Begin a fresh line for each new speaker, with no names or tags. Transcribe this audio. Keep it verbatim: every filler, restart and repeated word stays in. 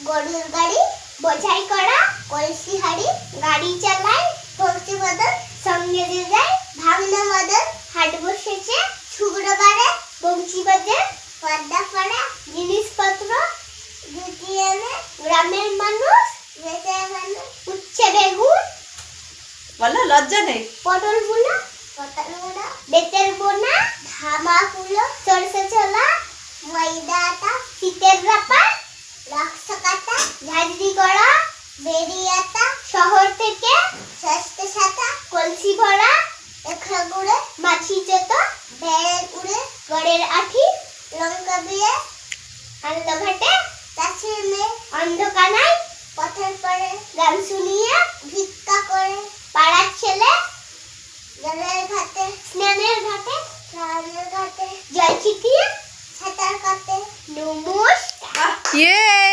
গরুর গাড়ি বোঝাই করা কলসি হাড়ি গাড়ি চালায় ভক্তি বদল সঙ্গে দিয়ে যায় ভাঙনা বদল হাট বসেছে শুক্রবারে বংশী বাজে পর্দা পড়া জিনিসপত্র জুটিয়ে এনে গ্রামের মানুষ বেঁচে মানুষ উচ্ছে বেগুন
বলো লজ্জা নেই
পটল বুনা পটল বুনা বেতের বোনা ধামা কুলো সরষে ছোলা ময়দা আটা শীতের রাপা লাক্সা কাটা ঝাড়ি করা বেরি আটা শহর থেকে সস্তে সাতা কলসি ভরা একলা গুড়ে মাছি চত বেড়ের উড়ে গড়ের আঠি লঙ্কা দিয়ে আনলো ঘাটে চাষির মেয়ে অন্ধকানায় পথের পরে গান শুনিয়ে ভিক্ষা করে পাড়ার ছেলে জলের ঘাটে স্নানের ঘাটে স্নানের ঘাটে জল ছিটিয়ে সাঁতার কাটে নমস্কার।
ইয়ে